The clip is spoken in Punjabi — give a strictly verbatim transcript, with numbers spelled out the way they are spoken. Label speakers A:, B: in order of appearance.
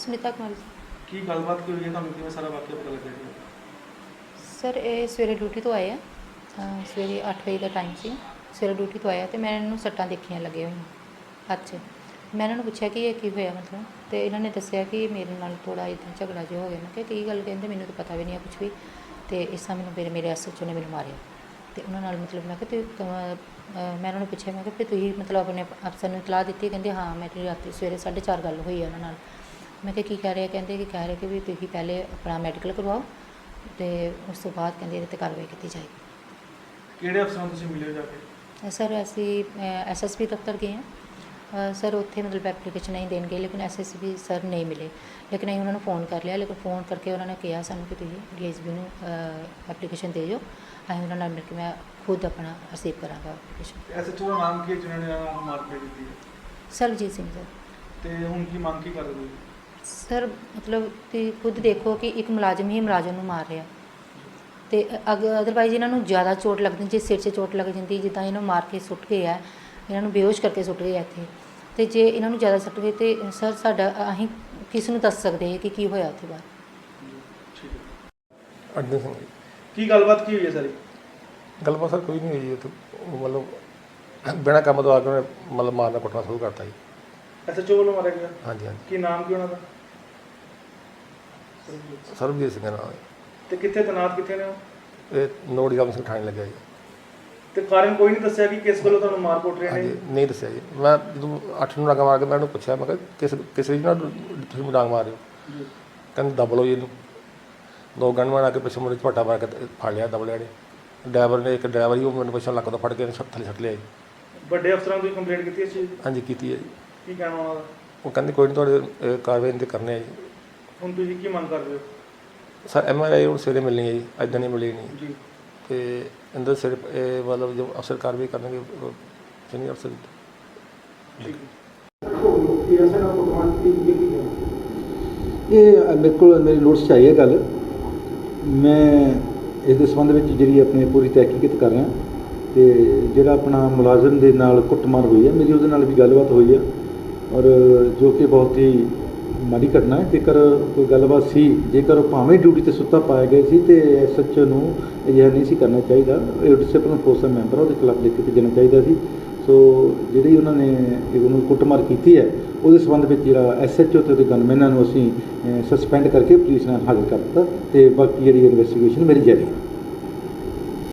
A: ਸੁਨੀਤਾ ਕੁਮਾਰੀ
B: ਕੀ ਗੱਲਬਾਤ ਕੀ ਹੋਈ ਹੈ, ਤੁਹਾਨੂੰ ਕਿਵੇਂ ਸਾਰਾ ਵਾਕਿਆ ਪਤਾ ਲੱਗਿਆ ਜੀ?
A: ਸਰ ਇਹ ਸਵੇਰੇ ਡਿਊਟੀ ਤੋਂ ਆਏ ਆ ਅ, ਸਵੇਰੇ ਅੱਠ ਵਜੇ ਦਾ ਟਾਈਮ ਸੀ। ਸਵੇਰੇ ਡਿਊਟੀ ਤੋਂ ਆਇਆ ਅਤੇ ਮੈਂ ਇਹਨਾਂ ਨੂੰ ਸੱਟਾਂ ਦੇਖੀਆਂ ਲੱਗੀਆਂ ਹੋਈਆਂ ਹੱਥ 'ਚ। ਮੈਂ ਇਹਨਾਂ ਨੂੰ ਪੁੱਛਿਆ ਕਿ ਇਹ ਕੀ ਹੋਇਆ ਮਤਲਬ, ਅਤੇ ਇਹਨਾਂ ਨੇ ਦੱਸਿਆ ਕਿ ਮੇਰੇ ਨਾਲ ਥੋੜ੍ਹਾ ਇੱਦਾਂ ਝਗੜਾ ਜਿਹਾ ਹੋ ਗਿਆ। ਮੈਂ ਕਿਹਾ ਕੀ ਗੱਲ, ਕਹਿੰਦੇ ਮੈਨੂੰ ਤਾਂ ਪਤਾ ਵੀ ਨਹੀਂ ਹੈ ਕੁਛ ਵੀ, ਅਤੇ ਇਸ ਤਰ੍ਹਾਂ ਮੈਨੂੰ ਮੇਰੇ ਮੇਰੇ ਐਸ ਐਚ ਓ ਨੇ ਮੈਨੂੰ ਮਾਰਿਆ। ਅਤੇ ਉਹਨਾਂ ਨਾਲ ਮਤਲਬ ਮੈਂ ਕਿਹਾ ਤੁਸੀਂ ਮੈਂ ਉਹਨਾਂ ਨੂੰ ਪੁੱਛਿਆ, ਮੈਂ ਕਿਹਾ ਵੀ ਤੁਸੀਂ ਮਤਲਬ ਆਪਣੇ ਅਫਸਰ ਨੂੰ ਇਤਲਾਹ ਦਿੱਤੀ? ਕਹਿੰਦੇ ਹਾਂ ਮੇਰੀ ਰਾਤੀ ਸਵੇਰੇ ਸਾਢੇ ਚਾਰ ਗੱਲ ਹੋਈ ਹੈ ਉਹਨਾਂ ਨਾਲ। ਮੈਂ ਕਿਹਾ ਕੀ ਕਹਿ ਰਹੇ? ਕਹਿੰਦੇ ਕਿ ਕਹਿ ਰਹੇ ਕਿ ਵੀ ਤੁਸੀਂ ਪਹਿਲੇ ਆਪਣਾ ਮੈਡੀਕਲ ਕਰਵਾਓ ਅਤੇ ਉਸ ਤੋਂ ਬਾਅਦ ਕਹਿੰਦੇ ਇਹਦੇ 'ਤੇ ਕਾਰਵਾਈ ਕੀਤੀ ਜਾਏਗੀ।
B: ਕਿਹੜੇ ਅਫਸਰਾਂ ਤੁਸੀਂ ਮਿਲੇ ਹੋ ਜਾ ਕੇ?
A: ਸਰ ਅਸੀਂ ਐਸ ਐਸ ਪੀ ਦਫ਼ਤਰ ਗਏ ਹਾਂ ਸਰ, ਉੱਥੇ ਮਤਲਬ ਐਪਲੀਕੇਸ਼ਨ ਅਸੀਂ ਦੇਣ ਗਏ, ਲੇਕਿਨ ਐਸ ਐਸ ਪੀ ਸਰ ਨਹੀਂ ਮਿਲੇ। ਲੇਕਿਨ ਅਸੀਂ ਉਹਨਾਂ ਨੂੰ ਫ਼ੋਨ ਕਰ ਲਿਆ, ਲੇਕਿਨ ਫ਼ੋਨ ਕਰਕੇ ਉਹਨਾਂ ਨੇ ਕਿਹਾ ਸਾਨੂੰ ਕਿ ਤੁਸੀਂ ਡੀ ਐਸ ਪੀ ਨੂੰ ਐਪਲੀਕੇਸ਼ਨ ਦੇ ਜਾਓ। ਅਸੀਂ ਉਹਨਾਂ ਨਾਲ ਮਿਲ ਕੇ ਮੈਂ ਖੁਦ ਆਪਣਾ ਰਿਸੀਵ ਕਰਾਂਗਾ ਐਪਲੀਕੇਸ਼ਨ।
B: ਐਸ ਐਚ ਓ ਦਾ ਨਾਮ ਕੀ ਹੈ ਜਿਹਨਾਂ ਨੇ ਇਹਨਾਂ ਨੂੰ ਮਾਰਪੀਟ ਕੀਤੀ ਹੈ?
A: ਸਰਬਜੀਤ ਸਿੰਘ ਸਰ।
B: ਤੇ ਹੁਣ ਕੀ ਮੰਗ ਕੀ ਕਰਦੇ ਹੋ?
A: ਸਰ ਮਤਲਬ ਤੁਸੀਂ ਖੁਦ ਦੇਖੋ ਕਿ ਇੱਕ ਮੁਲਾਜ਼ਮ ਹੀ ਮੁਲਾਜ਼ਮ ਨੂੰ ਮਾਰ ਰਿਹਾ, ਅਤੇ ਅਗ ਅਦਰਵਾਈਜ਼ ਇਹਨਾਂ ਨੂੰ ਜ਼ਿਆਦਾ ਚੋਟ ਲੱਗਦੀ, ਜੇ ਸਿਰ 'ਚ ਚੋਟ ਲੱਗ ਜਾਂਦੀ, ਜਿੱਦਾਂ ਇਹਨੂੰ ਮਾਰ ਕੇ ਸੁੱਟ ਗਏ ਆ, ਇਹਨਾਂ ਨੂੰ ਬੇਹੋਸ਼ ਕਰਕੇ ਸੁੱਟ ਗਏ ਆ ਇੱਥੇ, ਅਤੇ ਜੇ ਇਹਨਾਂ ਨੂੰ ਜ਼ਿਆਦਾ ਸੁੱਟ ਗਏ ਤਾਂ ਸਰ ਸਾਡਾ ਅਸੀਂ ਕਿਸ ਨੂੰ ਦੱਸ ਸਕਦੇ ਹਾਂ ਕਿ ਕੀ ਹੋਇਆ ਉੱਥੇ ਬਾਅਦ।
B: ਠੀਕ ਹੈ।
C: ਅਰਜਨ ਸਿੰਘ ਜੀ।
B: ਕੀ ਗੱਲਬਾਤ ਕੀ ਹੋਈ ਹੈ ਸਾਰੀ?
C: ਗੱਲਬਾਤ ਸਰ ਕੋਈ ਨਹੀਂ ਹੋਈ ਉੱਥੇ, ਉਹ ਮਤਲਬ ਬਿਨਾਂ ਕੰਮ ਤੋਂ ਆ ਕੇ ਉਹਨੇ ਮਤਲਬ ਮਾਰਨਾ ਕੁੱਟਣਾ ਸ਼ੁਰੂ ਕਰਤਾ ਜੀ।
B: ਐਸ ਐਚ ਓ ਵੱਲੋਂ ਮਾਰਿਆ ਗਿਆ?
C: ਹਾਂਜੀ ਹਾਂਜੀ।
B: ਕੀ ਨਾਮ ਕੀ ਉਹਨਾਂ ਦਾ?
C: ਸਰਬਜੀਤ ਸਿੰਘ ਨਾਲ।
B: ਤੇ ਕਿੱਥੇ ਤੈਨਾਤ ਕਿੱਥੇ ਨੇ ਉਹ?
C: ਇਹ ਨੋੜੀ ਗਾਮ ਸਿੰਘ ਠਾਣੇ ਲੱਗਿਆ ਜੀ।
B: ਤੇ ਕਾਰਨ ਕੋਈ ਨਹੀਂ ਦੱਸਿਆ ਕਿ ਕਿਸ ਗੱਲੋਂ ਤੁਹਾਨੂੰ ਮਾਰ ਕੁੱਟ ਰਹੇ ਨੇ?
C: ਹਾਂਜੀ ਨਹੀਂ ਦੱਸਿਆ ਜੀ। ਮੈਂ ਜਦੋਂ ਅੱਠ ਨੂੰ ਡਾਂਗਾ ਮਾਰ ਕੇ ਮੈਂ ਉਹਨੂੰ ਪੁੱਛਿਆ, ਮੈਂ ਕਿਹਾ ਕਿਸ ਕਿਸ ਰੀਜ ਨਾਲ ਤੁਸੀਂ ਡਾਂਗ ਮਾਰ ਰਹੇ ਹੋ? ਕਹਿੰਦੇ ਦਬ ਲਓ ਜੀ ਇਹਨੂੰ। ਦੋ ਗਨਮੈਨ ਆ ਕੇ ਪਿੱਛੇ ਮੁੰਡੇ ਝਪੱਟਾ ਮਾਰ ਕੇ ਫੜ ਲਿਆ, ਦਬ ਲਿਆ ਨੇ। ਡਰਾਈਵਰ ਨੇ, ਇੱਕ ਡਰਾਈਵਰ ਹੀ ਉਹ ਮੈਨੂੰ ਪਿੱਛੋਂ ਲੱਕ ਤੋਂ ਫੜ ਕੇ ਥੱਲੇ ਛੱਡ ਲਿਆ ਜੀ।
B: ਵੱਡੇ ਅਫਸਰਾਂ ਨੂੰ ਕੰਪਲੇਂਟ ਕੀਤੀ ਇਸ ਚੀਜ਼ ਦੀ?
C: ਹਾਂਜੀ ਕੀਤੀ ਹੈ ਜੀ।
B: ਕੀ ਕਹਿਣਾ ਉਹਨਾਂ ਦਾ?
C: ਉਹ ਕਹਿੰਦੇ ਕੋਈ ਨਹੀਂ ਤੁਹਾਡੇ ਕਾਰਵਾਈ ਤੇ ਕਰਨੇ ਆ ਜੀ।
B: ਹੁਣ ਤੁਸੀਂ ਕੀ ਮੰਗ ਕਰਦੇ ਹੋ?
C: ਸਰ ਐਮ ਆਰ ਆਈ ਹੁਣ ਸਵੇਰੇ ਮਿਲਣੀ ਹੈ ਜੀ, ਇੱਦਾਂ ਨਹੀਂ ਮਿਲੀ ਨਹੀਂ
B: ਜੀ।
C: ਅਤੇ ਇਹਦੇ ਸਿਰ ਇਹ ਮਤਲਬ ਜੋ ਅਫਸਰ ਕਾਰਵਾਈ ਕਰਨਗੇ ਸੀਨੀਅਰ ਅਫਸਰ।
D: ਇਹ ਮੇਰੇ ਕੋਲ ਮੇਰੀ ਨੋਟਿਸ 'ਚ ਆਈ ਹੈ ਗੱਲ। ਮੈਂ ਇਸ ਦੇ ਸੰਬੰਧ ਵਿੱਚ ਜਿਹੜੀ ਆਪਣੀ ਪੂਰੀ ਤਹਿਕੀਕਤ ਕਰ ਰਿਹਾ, ਅਤੇ ਜਿਹੜਾ ਆਪਣਾ ਮੁਲਾਜ਼ਮ ਦੇ ਨਾਲ ਕੁੱਟਮਾਰ ਹੋਈ ਹੈ, ਮੇਰੀ ਉਹਦੇ ਨਾਲ ਵੀ ਗੱਲਬਾਤ ਹੋਈ ਹੈ, ਔਰ ਜੋ ਕਿ ਬਹੁਤ ਹੀ ਮਾੜੀ ਘਟਨਾ ਹੈ। ਜੇਕਰ ਕੋਈ ਗੱਲਬਾਤ ਸੀ, ਜੇਕਰ ਉਹ ਭਾਵੇਂ ਡਿਊਟੀ 'ਤੇ ਸੁੱਤਾ ਪਾਇਆ ਗਿਆ ਸੀ, ਅਤੇ ਐਸ ਐਚ ਓ ਨੂੰ ਅਜਿਹਾ ਨਹੀਂ ਸੀ ਕਰਨਾ ਚਾਹੀਦਾ। ਇਹ ਡਿਸਪਲਿਨ ਫੋਰਸ ਦਾ ਮੈਂਬਰ, ਉਹਦੇ ਖਿਲਾਫ ਲਿਖ ਕੇ ਭੇਜਣਾ ਚਾਹੀਦਾ ਸੀ। ਸੋ ਜਿਹੜੀ ਉਹਨਾਂ ਨੇ ਉਹਨੂੰ ਕੁੱਟਮਾਰ ਕੀਤੀ ਹੈ, ਉਹਦੇ ਸੰਬੰਧ ਵਿੱਚ ਜਿਹੜਾ ਐਸ ਐਚ ਓ ਅਤੇ ਉਹਦੇ ਗਨਮੈਨਾਂ ਨੂੰ ਅਸੀਂ ਸਸਪੈਂਡ ਕਰਕੇ ਪੁਲਿਸ ਨਾਲ ਹਾਜ਼ਰ ਕਰ ਦਿੱਤਾ, ਅਤੇ ਬਾਕੀ ਜਿਹੜੀ ਇਨਵੈਸਟੀਗੇਸ਼ਨ ਮੇਰੀ ਜਾਰੀ ਹੈ।